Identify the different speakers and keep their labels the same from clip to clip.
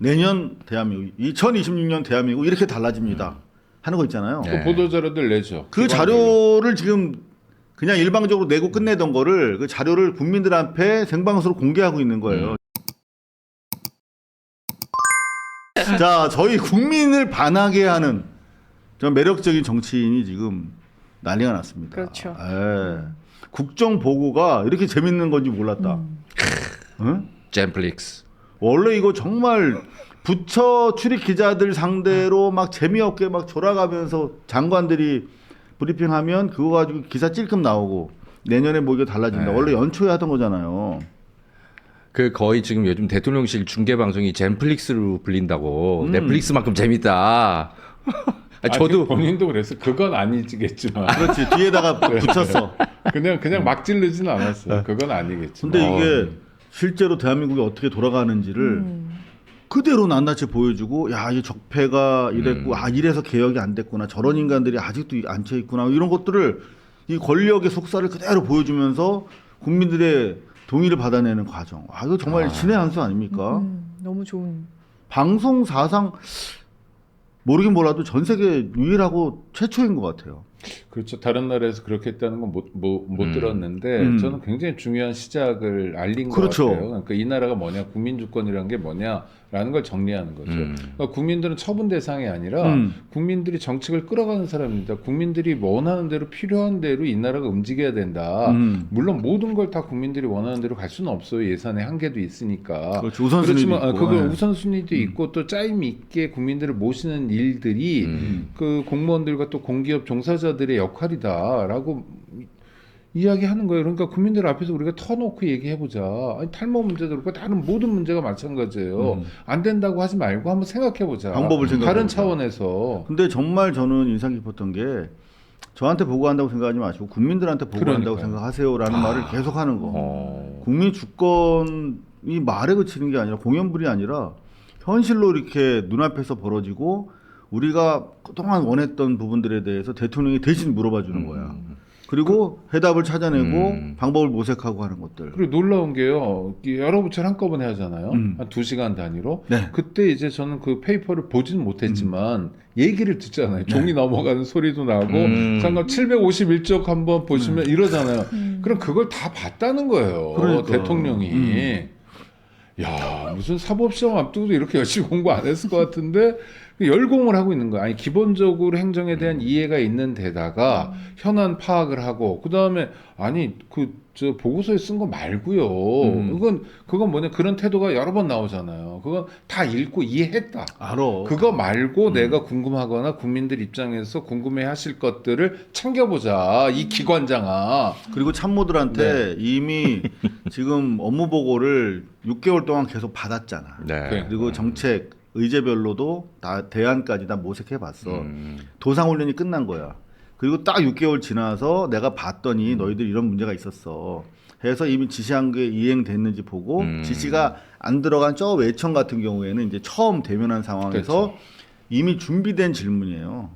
Speaker 1: 내년 대한민국, 2026년 대한민국 이렇게 달라집니다. 하는 거 있잖아요.
Speaker 2: 그 보도자료들 내죠.
Speaker 1: 그 자료를 지금 그냥 일방적으로 내고 끝내던 거를 그 자료를 국민들 앞에 생방송으로 공개하고 있는 거예요. 자, 저희 국민을 반하게 하는 저 매력적인 정치인이 지금 난리가 났습니다.
Speaker 3: 그렇죠.
Speaker 1: 예. 국정 보고가 이렇게 재밌는 건지 몰랐다. 응?
Speaker 2: 젠플릭스.
Speaker 1: 원래 이거 정말 부처 출입 기자들 상대로 막 재미없게 막 졸아가면서 장관들이 브리핑하면 그거 가지고 기사 찔끔 나오고 내년에 뭐 이게 달라진다.
Speaker 2: 네.
Speaker 1: 원래 연초에 하던 거잖아요.
Speaker 2: 그 거의 지금 요즘 대통령실 중계 방송이 젠플릭스로 불린다고. 넷플릭스만큼 재밌다. 저도
Speaker 4: 본인도 그랬어. 그건 아니겠지만.
Speaker 1: 그렇지. 뒤에다가 붙였어.
Speaker 4: 그냥 막 지르지는 않았어요. 그건 아니겠지만.
Speaker 1: 근데 이게 실제로 대한민국이 어떻게 돌아가는지를 그대로 낱낱이 보여주고, 야, 이 적폐가 이랬고, 아, 이래서 개혁이 안 됐구나. 저런 인간들이 아직도 앉혀 있구나. 이런 것들을 이 권력의 속살을 그대로 보여주면서 국민들의 동의를 받아내는 과정. 아, 이거 정말 신의 한 수 아닙니까?
Speaker 3: 너무 좋은.
Speaker 1: 방송 사상 모르긴 몰라도 전 세계 유일하고 최초인 것 같아요.
Speaker 4: 그렇죠. 다른 나라에서 그렇게 했다는 건 못 들었는데 저는 굉장히 중요한 시작을 알린
Speaker 1: 그렇죠.
Speaker 4: 것 같아요. 그러니까 이 나라가 뭐냐, 국민주권이라는 게 뭐냐라는 걸 정리하는 거죠. 그러니까 국민들은 처분 대상이 아니라 국민들이 정책을 끌어가는 사람입니다. 국민들이 원하는 대로 필요한 대로 이 나라가 움직여야 된다. 물론 모든 걸 다 국민들이 원하는 대로 갈 수는 없어요. 예산의 한계도 있으니까.
Speaker 1: 그렇죠. 우선순위도
Speaker 4: 그렇지만
Speaker 1: 있고.
Speaker 4: 그거
Speaker 1: 네.
Speaker 4: 우선순위도 있고 또 짜임 있게 국민들을 모시는 일들이 그 공무원들과 또 공기업 종사자들의 역할이다라고 이야기하는 거예요. 그러니까 국민들 앞에서 우리가 터놓고 얘기해보자. 아니, 탈모 문제도 그렇고 다른 모든 문제가 마찬가지예요. 안 된다고 하지 말고 한번 생각해보자.
Speaker 1: 방법을 생각해보자.
Speaker 4: 다른 차원에서.
Speaker 1: 근데 정말 저는 인상 깊었던 게 저한테 보고한다고 생각하지 마시고 국민들한테 보고한다고
Speaker 4: 그러니까요.
Speaker 1: 생각하세요라는 말을 계속하는 거. 국민 주권이 말에 그치는 게 아니라 공연불이 아니라 현실로 이렇게 눈앞에서 벌어지고 우리가 그동안 원했던 부분들에 대해서 대통령이 대신 물어봐 주는 거야. 그리고 해답을 찾아내고 방법을 모색하고 하는 것들.
Speaker 4: 그리고 놀라운 게요. 여러 부처를 한꺼번에 하잖아요. 한 2시간 단위로.
Speaker 1: 네.
Speaker 4: 그때 이제 저는 그 페이퍼를 보지는 못했지만 얘기를 듣잖아요. 종이 넘어가는 소리도 나고 잠깐 751쪽 한번 보시면 이러잖아요. 그럼 그걸 다 봤다는 거예요.
Speaker 1: 그러니까.
Speaker 4: 대통령이. 야, 무슨 사법시험 앞두고도 이렇게 열심히 공부 안 했을 것 같은데 열공을 하고 있는 거야. 아니, 기본적으로 행정에 대한 이해가 있는 데다가 현안 파악을 하고 그다음에 아니 저 보고서에 쓴 거 말고요. 그건 뭐냐, 그런 태도가 여러 번 나오잖아요. 그건 다 읽고 이해했다.
Speaker 1: 알아.
Speaker 4: 그거 말고 내가 궁금하거나 국민들 입장에서 궁금해하실 것들을 챙겨보자. 이 기관장아.
Speaker 1: 그리고 참모들한테 이미 지금 업무 보고를 6개월 동안 계속 받았잖아.
Speaker 2: 네.
Speaker 1: 그리고 정책 의제별로도 다 대안까지 다 모색해봤어. 도상훈련이 끝난 거야. 그리고 딱 6개월 지나서 내가 봤더니 너희들 이런 문제가 있었어. 해서 이미 지시한 게 이행됐는지 보고 지시가 안 들어간 저 외청 같은 경우에는 이제 처음 대면한 상황에서
Speaker 4: 그렇죠.
Speaker 1: 이미 준비된 질문이에요.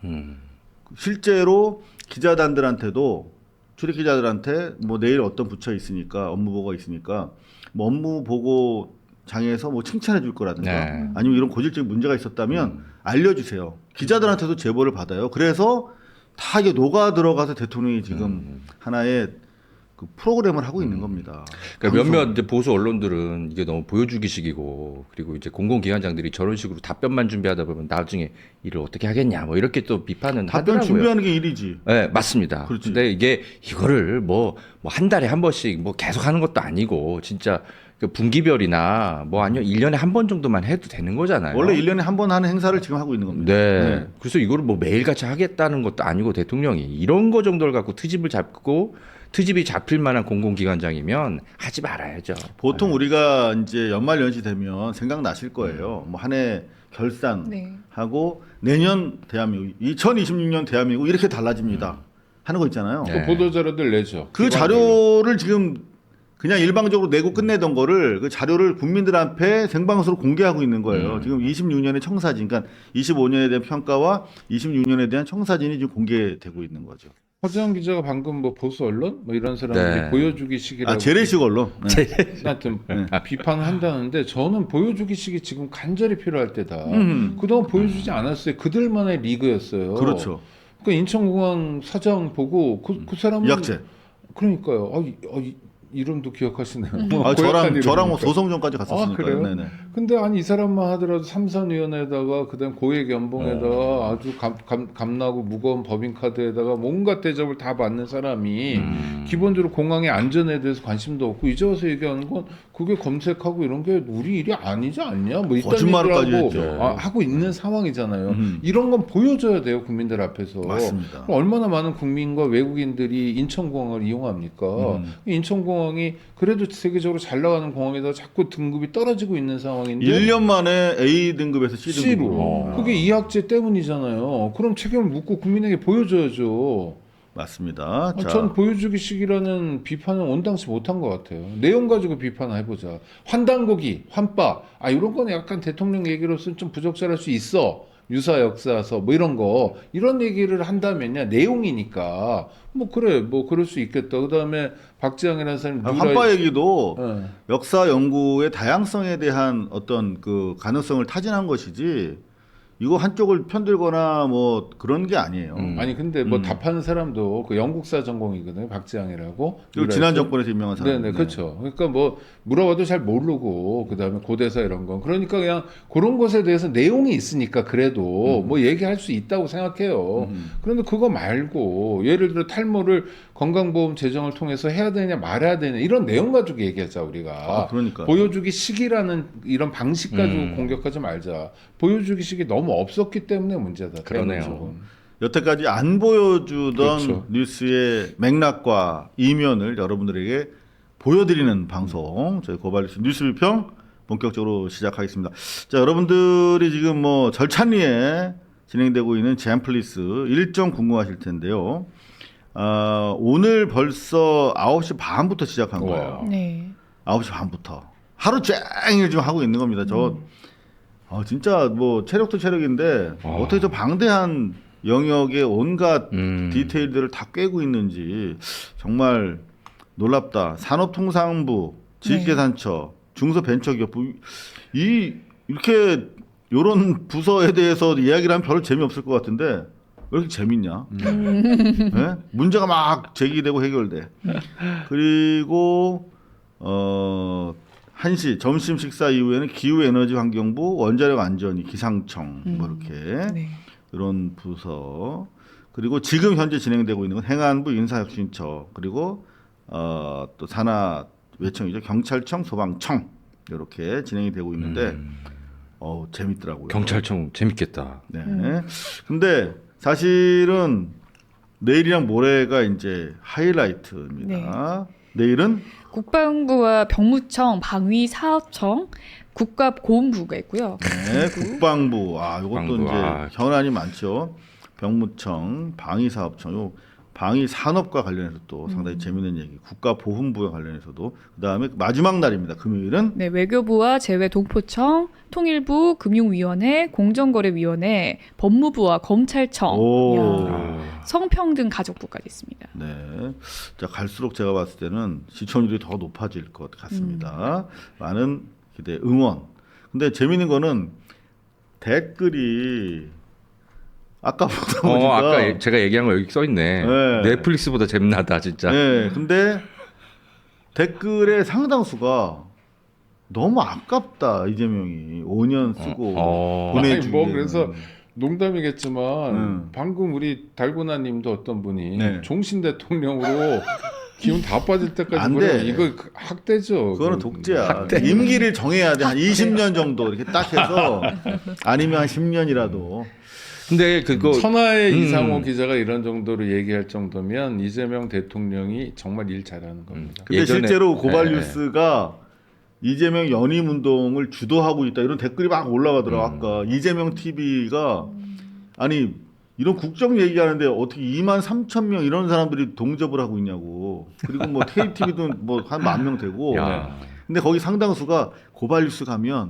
Speaker 1: 실제로 기자단들한테도 출입 기자들한테 뭐 내일 어떤 부처 있으니까 업무 보고가 있으니까 뭐 업무 보고 장에서 뭐 칭찬해 줄 거라든가
Speaker 2: 네.
Speaker 1: 아니면 이런 고질적인 문제가 있었다면 알려주세요. 기자들한테도 제보를 받아요. 그래서 다 이게 녹아 들어가서 대통령이 지금 하나의 그 프로그램을 하고 있는 겁니다.
Speaker 2: 그러니까 몇몇 이제 보수 언론들은 이게 너무 보여주기식이고 그리고 이제 공공기관장들이 저런 식으로 답변만 준비하다 보면 나중에 일을 어떻게 하겠냐 뭐 이렇게 또 비판은
Speaker 1: 답변
Speaker 2: 하더라고요.
Speaker 1: 준비하는 게 일이지.
Speaker 2: 네, 맞습니다.
Speaker 1: 그렇지.
Speaker 2: 근데 이게 이거를 뭐 한 달에 한 번씩 뭐 계속 하는 것도 아니고 진짜 그 분기별이나 뭐 아니면 1년에 한 번 정도만 해도 되는 거잖아요.
Speaker 1: 원래 1년에 한 번 하는 행사를 지금 하고 있는 겁니다.
Speaker 2: 네. 그래서 이거를 뭐 매일같이 하겠다는 것도 아니고 대통령이 이런 거 정도를 갖고 트집을 잡고 트집이 잡힐 만한 공공기관장이면 하지 말아야죠.
Speaker 1: 보통 우리가 이제 연말 연시 되면 생각나실 거예요. 뭐 한 해 결산하고 내년 대한민국, 2026년 대한민국 이렇게 달라집니다. 하는 거 있잖아요.
Speaker 2: 네.
Speaker 4: 그 보도자료들 내죠.
Speaker 1: 그 자료를 지금 그냥 일방적으로 내고 끝내던 거를 그 자료를 국민들 앞에 생방송으로 공개하고 있는 거예요. 지금 26년의 청사진, 그러니까 25년에 대한 평가와 26년에 대한 청사진이 지금 공개되고 있는 거죠.
Speaker 4: 허재영 기자가 방금 뭐 보수 언론 뭐 이런 사람들이
Speaker 2: 네.
Speaker 4: 보여주기식이라고
Speaker 1: 재래식 언론. 네.
Speaker 4: 하여튼 비판을 한다는데 저는 보여주기식이 지금 간절히 필요할 때다. 그동안 보여주지 않았어요. 그들만의 리그였어요.
Speaker 1: 그렇죠.
Speaker 4: 그 인천공항 사장 보고 그 사람은
Speaker 1: 이학재.
Speaker 4: 그러니까요. 이름도 기억하시네요.
Speaker 1: 아,
Speaker 4: 고약한
Speaker 1: 저랑 뭐
Speaker 4: 이름이니까.
Speaker 1: 소송전까지 갔었으니까요.
Speaker 4: 그래요?
Speaker 1: 네네.
Speaker 4: 근데 아니 이 사람만 하더라도 삼선위원회에다가 그다음 고액 연봉에다가 아주 감나고 무거운 법인카드에다가 온갖 대접을 다 받는 사람이 기본적으로 공항의 안전에 대해서 관심도 없고 이제 와서 얘기하는 건 그게 검색하고 이런 게 우리 일이 아니지 않냐 뭐 이딴
Speaker 1: 거짓말까지
Speaker 4: 얘기를
Speaker 1: 했죠.
Speaker 4: 하고 있는 상황이잖아요. 이런 건 보여줘야 돼요 국민들 앞에서.
Speaker 1: 맞습니다.
Speaker 4: 얼마나 많은 국민과 외국인들이 인천공항을 이용합니까? 인천공항이 그래도 세계적으로 잘 나가는 공항에다 자꾸 등급이 떨어지고 있는 상황인데
Speaker 1: 1년 만에 A 등급에서 C
Speaker 4: C로
Speaker 1: 등급으로.
Speaker 4: 그게 이학재 때문이잖아요. 그럼 책임을 묻고 국민에게 보여줘야죠.
Speaker 1: 맞습니다. 자,
Speaker 4: 전 보여주기식이라는 비판은 온당치 못한 것 같아요. 내용 가지고 비판을 해보자. 환단고기, 환빠, 이런 건 약간 대통령 얘기로서는 좀 부적절할 수 있어. 유사 역사서 뭐 이런 거 이런 얘기를 한다면요 내용이니까 뭐 그래 뭐 그럴 수 있겠다. 그다음에 박지영이라는 사람이
Speaker 1: 환빠 얘기도
Speaker 4: 네.
Speaker 1: 역사 연구의 다양성에 대한 어떤 그 가능성을 타진한 것이지 이거 한쪽을 편들거나 뭐 그런 게 아니에요.
Speaker 4: 아니 근데 뭐 답하는 사람도 그 영국사 전공이거든요. 박지영이라고.
Speaker 1: 그리고 지난 정권에서 유명한 사람.
Speaker 4: 네네 그렇죠. 그러니까 뭐 물어봐도 잘 모르고 그다음에 고대사 이런 건 그러니까 그냥 그런 것에 대해서 내용이 있으니까 그래도 뭐 얘기할 수 있다고 생각해요. 그런데 그거 말고 예를 들어 탈모를 건강보험 재정을 통해서 해야 되냐 말아야 되냐 이런 내용 가지고 얘기하자 우리가.
Speaker 1: 그러니까
Speaker 4: 보여주기 식이라는 이런 방식 가지고 공격하지 말자. 보여주기 식이 너무 없었기 때문에 문제다.
Speaker 2: 그러네요.
Speaker 4: 대한민국은.
Speaker 1: 여태까지 안 보여주던
Speaker 4: 그렇죠.
Speaker 1: 뉴스의 맥락과 이면을 여러분들에게 보여드리는 방송 저희 고발뉴스 뉴스비평 본격적으로 시작하겠습니다. 자, 여러분들이 지금 뭐 절찬리에 진행되고 있는 제안플리스 일정 궁금하실 텐데요. 오늘 벌써 9시 반부터 시작한 거예요.
Speaker 3: 네.
Speaker 1: 9시 반부터 하루 종일 지금 하고 있는 겁니다. 저 진짜 뭐 체력도 체력인데 어떻게 저 방대한 영역의 온갖 디테일들을 다 꿰고 있는지 정말 놀랍다. 산업통상부, 지식재산처, 중소벤처기업부 이렇게 요런 부서에 대해서 이야기를 하면 별로 재미없을 것 같은데 왜 이렇게 재밌냐? 네? 문제가 막 제기되고 해결돼. 그리고 1시 점심 식사 이후에는 기후에너지환경부, 원자력안전위, 기상청 뭐 이렇게
Speaker 3: 네.
Speaker 1: 이런 부서 그리고 지금 현재 진행되고 있는 건 행안부, 인사혁신처 그리고 또 산하외청이죠 경찰청, 소방청 이렇게 진행이 되고 있는데 재밌더라고요.
Speaker 2: 경찰청 재밌겠다.
Speaker 1: 네. 근데 사실은 내일이랑 모레가 이제 하이라이트입니다. 내일은
Speaker 3: 국방부와 병무청, 방위사업청, 국가보훈부가 있고요.
Speaker 1: 네, 국방부. 이것도
Speaker 2: 국방부,
Speaker 1: 이제 현안이 많죠. 병무청, 방위사업청, 요 방위산업과 관련해서 또 상당히 재미있는 얘기. 국가보훈부와 관련해서도 그다음에 마지막 날입니다. 금요일은
Speaker 3: 네, 외교부와 재외동포청, 통일부, 금융위원회, 공정거래위원회, 법무부와 검찰청, 이야, 성평등 가족부까지 있습니다.
Speaker 1: 네. 자, 갈수록 제가 봤을 때는 시청률이 더 높아질 것 같습니다. 많은 기대, 응원. 근데 재미있는 거는 댓글이 아까 보다 보니까
Speaker 2: 아까 제가 얘기한 거 여기 써 있네.
Speaker 1: 네.
Speaker 2: 넷플릭스보다 재미나다 진짜.
Speaker 1: 네. 근데 댓글의 상당수가 너무 아깝다. 이재명이 5년 쓰고 보내주기.
Speaker 4: 뭐 그래서 농담이겠지만 방금 우리 달고나님도 어떤 분이
Speaker 1: 네.
Speaker 4: 종신 대통령으로 기운 다 빠질 때까지
Speaker 1: 안
Speaker 4: 보내면
Speaker 1: 돼.
Speaker 4: 이거 학대죠.
Speaker 1: 그거는 독재야. 임기를 정해야 돼. 한 20년 정도 이렇게 딱 해서 아니면 한 10년이라도.
Speaker 2: 근데 그거
Speaker 4: 천하의 이상호 기자가 이런 정도로 얘기할 정도면 이재명 대통령이 정말 일 잘하는 겁니다.
Speaker 1: 근데
Speaker 2: 예전에-
Speaker 1: 실제로 고발뉴스가 이재명 연임 운동을 주도하고 있다 이런 댓글이 막 올라가더라고. 아까 이재명 TV가 아니 이런 국정 얘기하는데 어떻게 2만 3천 명 이런 사람들이 동접을 하고 있냐고. 그리고 뭐 KTV도 뭐 한 10,000명 되고.
Speaker 2: 야.
Speaker 1: 근데 거기 상당수가 고발뉴스 가면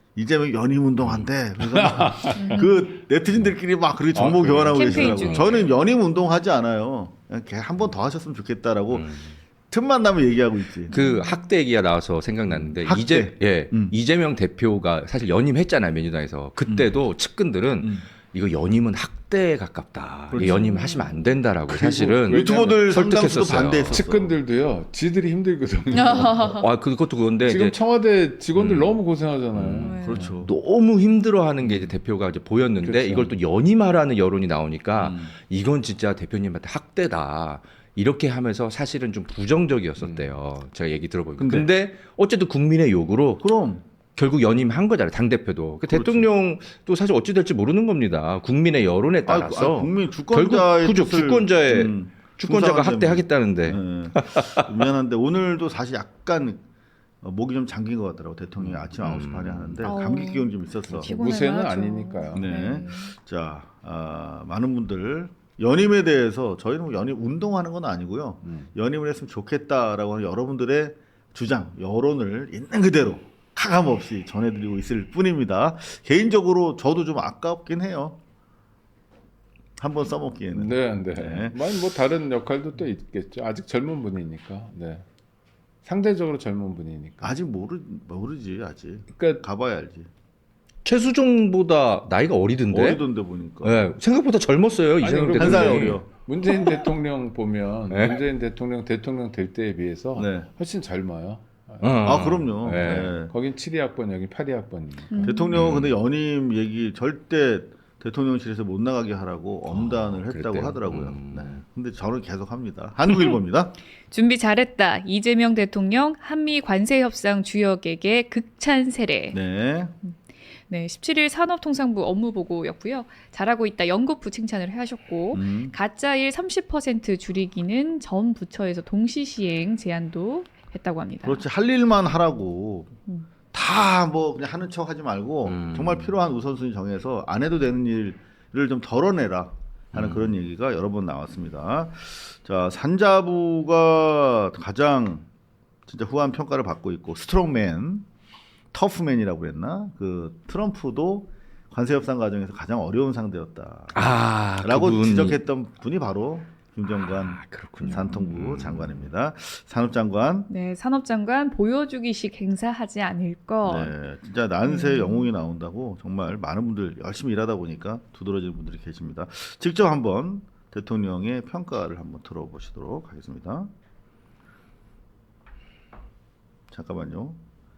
Speaker 1: 이재명 연임 운동한대. 그래서 막 그 네티즌들끼리 막 그렇게 정보 교환하고
Speaker 3: 캠페인
Speaker 1: 계시더라고요.
Speaker 3: 중에.
Speaker 1: 저는 연임 운동하지 않아요. 그냥 한 번 더 하셨으면 좋겠다라고 틈만 나면 얘기하고 있지.
Speaker 2: 그 학대 얘기가 나와서 생각났는데
Speaker 1: 학대.
Speaker 2: 이재명 대표가 사실 연임했잖아요 민주당에서. 그때도 측근들은 이거 연임은 학대에 가깝다.
Speaker 1: 그렇죠.
Speaker 2: 연임을 하시면 안 된다라고 사실은
Speaker 1: 유튜버들 상당수도
Speaker 2: 설득했었어요.
Speaker 1: 반대했었어.
Speaker 4: 측근들도요. 지들이 힘들거든요.
Speaker 2: 그것도 그건데
Speaker 4: 지금
Speaker 2: 이제
Speaker 4: 청와대 직원들 너무 고생하잖아요.
Speaker 1: 그렇죠.
Speaker 2: 너무 힘들어하는 게 이제 대표가 이제 보였는데
Speaker 4: 그렇죠.
Speaker 2: 이걸 또 연임하라는 여론이 나오니까 이건 진짜 대표님한테 학대다. 이렇게 하면서 사실은 좀 부정적이었었대요. 제가 얘기 들어보니까. 근데 어쨌든 국민의 요구로
Speaker 1: 그럼
Speaker 2: 결국 연임한 거잖아요. 당대표도. 그
Speaker 1: 그렇죠.
Speaker 2: 대통령도 사실 어찌 될지 모르는 겁니다. 국민의 여론에 따라서.
Speaker 1: 국민 주권자의
Speaker 2: 결국
Speaker 1: 뜻을,
Speaker 2: 주권자가
Speaker 1: 충성한다면.
Speaker 2: 학대하겠다는데.
Speaker 1: 네. 미안한데 오늘도 사실 약간 목이 좀 잠긴 것 같더라고. 대통령이 아침 9시 반에 하는데 감기 기운 좀 있었어.
Speaker 3: 피곤해요.
Speaker 4: 무쇠는
Speaker 3: 하죠.
Speaker 4: 아니니까요.
Speaker 1: 네. 자, 많은 분들 연임에 대해서 저희는 뭐 연임 운동하는 건 아니고요. 연임을 했으면 좋겠다라고 하는 여러분들의 주장, 여론을 있는 그대로 가감 없이 전해드리고 있을 뿐입니다. 개인적으로 저도 좀 아깝긴 해요. 한번 써먹기에는.
Speaker 4: 네.
Speaker 1: 네.
Speaker 4: 뭐 다른 역할도 또 있겠죠. 아직 젊은 분이니까. 네. 상대적으로 젊은 분이니까.
Speaker 1: 아직 모르지 아직.
Speaker 4: 그러니까
Speaker 1: 가봐야 알지.
Speaker 2: 최수종보다 나이가 어리던데.
Speaker 1: 어리던데 보니까.
Speaker 2: 네, 생각보다 젊었어요.
Speaker 4: 아니,
Speaker 2: 이재명
Speaker 4: 그리고
Speaker 1: 한 살
Speaker 2: 대통령이.
Speaker 1: 어려.
Speaker 4: 문재인 대통령 보면
Speaker 2: 네?
Speaker 4: 문재인 대통령 될 때에 비해서
Speaker 1: 네.
Speaker 4: 훨씬 젊어요.
Speaker 1: 그럼요.
Speaker 2: 네.
Speaker 1: 네.
Speaker 4: 거긴 72학번 여기 82학번이니까.
Speaker 1: 대통령은 근데 연임 얘기 절대 대통령실에서 못 나가게 하라고 엄단을 했다고
Speaker 2: 그랬대요?
Speaker 1: 하더라고요. 네. 근데 저는 계속 합니다. 한국일보입니다.
Speaker 3: 준비 잘했다. 이재명 대통령 한미 관세 협상 주역에게 극찬 세례.
Speaker 1: 네.
Speaker 3: 네, 17일 산업통상부 업무보고였고요. 잘하고 있다. 연구부 칭찬을 하셨고 가짜일 30% 줄이기는 전 부처에서 동시 시행 제안도 했다고 합니다.
Speaker 1: 그렇지 할 일만 하라고 다 뭐 그냥 하는 척 하지 말고 정말 필요한 우선순위 정해서 안 해도 되는 일을 좀 덜어내라 하는 그런 얘기가 여러 번 나왔습니다. 자, 산자부가 가장 진짜 후한 평가를 받고 있고 스트롱맨, 터프맨이라고 그랬나? 그 트럼프도 관세 협상 과정에서 가장 어려운 상대였다. 라고
Speaker 2: 그분이-
Speaker 1: 지적했던 분이 바로 김정관
Speaker 2: 그렇군요.
Speaker 1: 산통부 장관입니다. 산업장관.
Speaker 3: 네, 산업장관 보여주기식 행사하지 않을 것.
Speaker 1: 네, 진짜 난세 영웅이 나온다고 정말 많은 분들 열심히 일하다 보니까 두드러지는 분들이 계십니다. 직접 한번 대통령의 평가를 한번 들어보시도록 하겠습니다. 잠깐만요.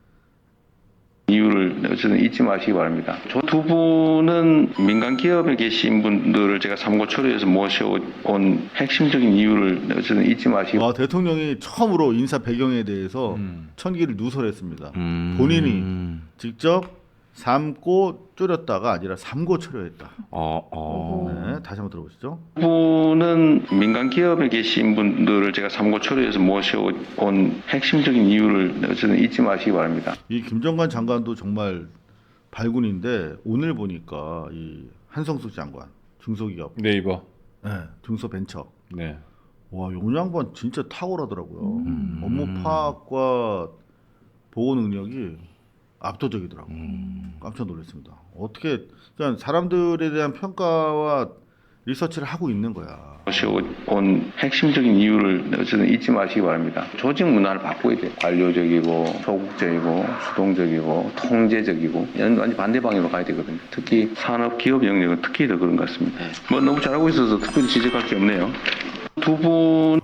Speaker 5: 이유를 어쨌든 잊지 마시기 바랍니다. 저 두 분은 민간 기업에 계신 분들을 제가 삼고초려해서 모셔온 핵심적인 이유를 어쨌든 잊지 마시기
Speaker 1: 와, 대통령이 처음으로 인사 배경에 대해서 천기를 누설했습니다. 본인이 직접 삼고 줄였다가 아니라 삼고초려했다. 네, 다시 한번 들어보시죠.
Speaker 5: 두 분은 민간 기업에 계신 분들을 제가 삼고초려해서 모셔온 핵심적인 이유를 어쨌든 잊지 마시기 바랍니다.
Speaker 1: 이 김정관 장관도 정말 발군인데 오늘 보니까 이 한성숙 장관 중소기업,
Speaker 4: 네이버.
Speaker 1: 네, 중소벤처.
Speaker 4: 네.
Speaker 1: 와, 용 양반 진짜 탁월하더라고요. 업무 파악과 보고 능력이 압도적이더라고요. 깜짝 놀랐습니다. 어떻게 그러니까 사람들에 대한 평가와 리서치를 하고 있는 거야.
Speaker 5: 모셔온 핵심적인 이유를 어쨌든 잊지 마시기 바랍니다. 조직 문화를 바꿔야 돼요. 관료적이고 소극적이고 수동적이고 통제적이고 완전 반대 방향으로 가야 되거든요. 특히 산업 기업 영역은 특히 더 그런 것 같습니다. 뭐 너무 잘하고 있어서 특별히 지적할 게 없네요. 두 분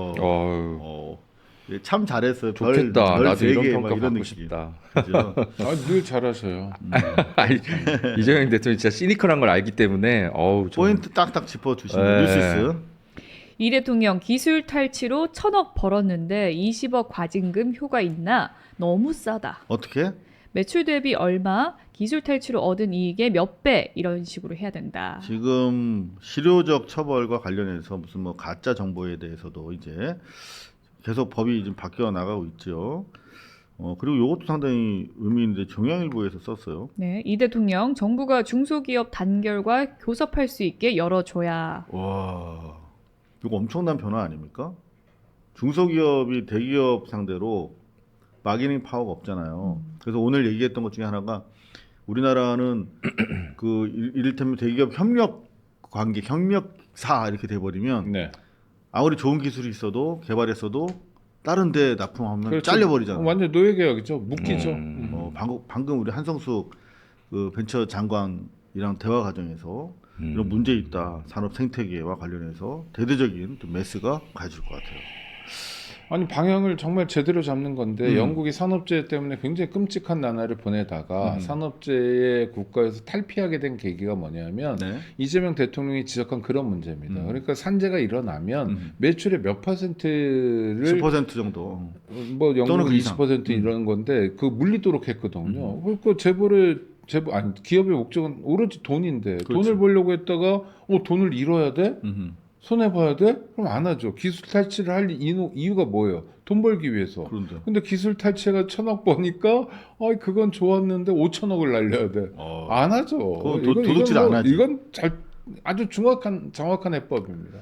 Speaker 1: 예, 참 잘했어요.
Speaker 2: 좋겠다. 나도
Speaker 1: 세
Speaker 2: 이런
Speaker 1: 개,
Speaker 2: 평가
Speaker 1: 막 이런
Speaker 2: 받고
Speaker 1: 느낌.
Speaker 2: 싶다.
Speaker 1: 그죠?
Speaker 4: 늘 잘하셔요.
Speaker 2: 아니, 이재명 대통령이 진짜 시니컬한 걸 알기 때문에
Speaker 1: 포인트 딱딱 짚어주시는
Speaker 2: 네.
Speaker 1: 뉴시스.
Speaker 3: 이 대통령 기술 탈취로 1,000억 벌었는데 20억 과징금 효과 있나? 너무 싸다.
Speaker 1: 어떻게?
Speaker 3: 매출 대비 얼마, 기술 탈취로 얻은 이익의 몇 배 이런 식으로 해야 된다.
Speaker 1: 지금 실효적 처벌과 관련해서 무슨 뭐 가짜 정보에 대해서도 이제 계속 법이 좀 바뀌어 나가고 있죠. 그리고 이것도 상당히 의미 있는데 중앙일보에서 썼어요.
Speaker 3: 네, 이 대통령 정부가 중소기업 단결과 교섭할 수 있게 열어줘야.
Speaker 1: 와, 이거 엄청난 변화 아닙니까? 중소기업이 대기업 상대로 마케팅 파워가 없잖아요. 그래서 오늘 얘기했던 것 중에 하나가 우리나라는 그 이를테면 대기업 협력 관계, 협력사 이렇게 돼버리면
Speaker 4: 네.
Speaker 1: 아무리 좋은 기술이 있어도 개발했어도 다른 데 납품하면
Speaker 4: 그렇죠.
Speaker 1: 잘려버리잖아.
Speaker 4: 완전 노예 계약이죠. 묶이죠.
Speaker 1: 방금 우리 한성숙 그 벤처 장관이랑 대화 과정에서 이런 문제 있다 산업 생태계와 관련해서 대대적인 좀 메스가 가해질 것 같아요.
Speaker 4: 아니 방향을 정말 제대로 잡는 건데 영국이 산업재해 때문에 굉장히 끔찍한 나날을 보내다가 산업재해 국가에서 탈피하게 된 계기가 뭐냐면
Speaker 1: 네.
Speaker 4: 이재명 대통령이 지적한 그런 문제입니다. 그러니까 산재가 일어나면 매출의 몇 퍼센트를
Speaker 1: 10% 정도.
Speaker 4: 뭐
Speaker 1: 또는
Speaker 4: 영국은
Speaker 1: 그 이상.
Speaker 4: 20% 이런 건데 그 물리도록 했거든요. 그러니까 아니 기업의 목적은 오로지 돈인데
Speaker 1: 그렇죠.
Speaker 4: 돈을 벌려고 했다가 돈을 잃어야 돼? 손해 봐야 돼? 그럼 안 하죠. 기술 탈취를 할 이유가 뭐예요? 돈 벌기 위해서.
Speaker 1: 그런데.
Speaker 4: 근데 기술 탈취가 1,000억 버니까 그건 좋았는데 5천억을 날려야 돼. 안 하죠.
Speaker 1: 그건 도둑질 안 하지.
Speaker 4: 이건 아주 정확한 해법입니다.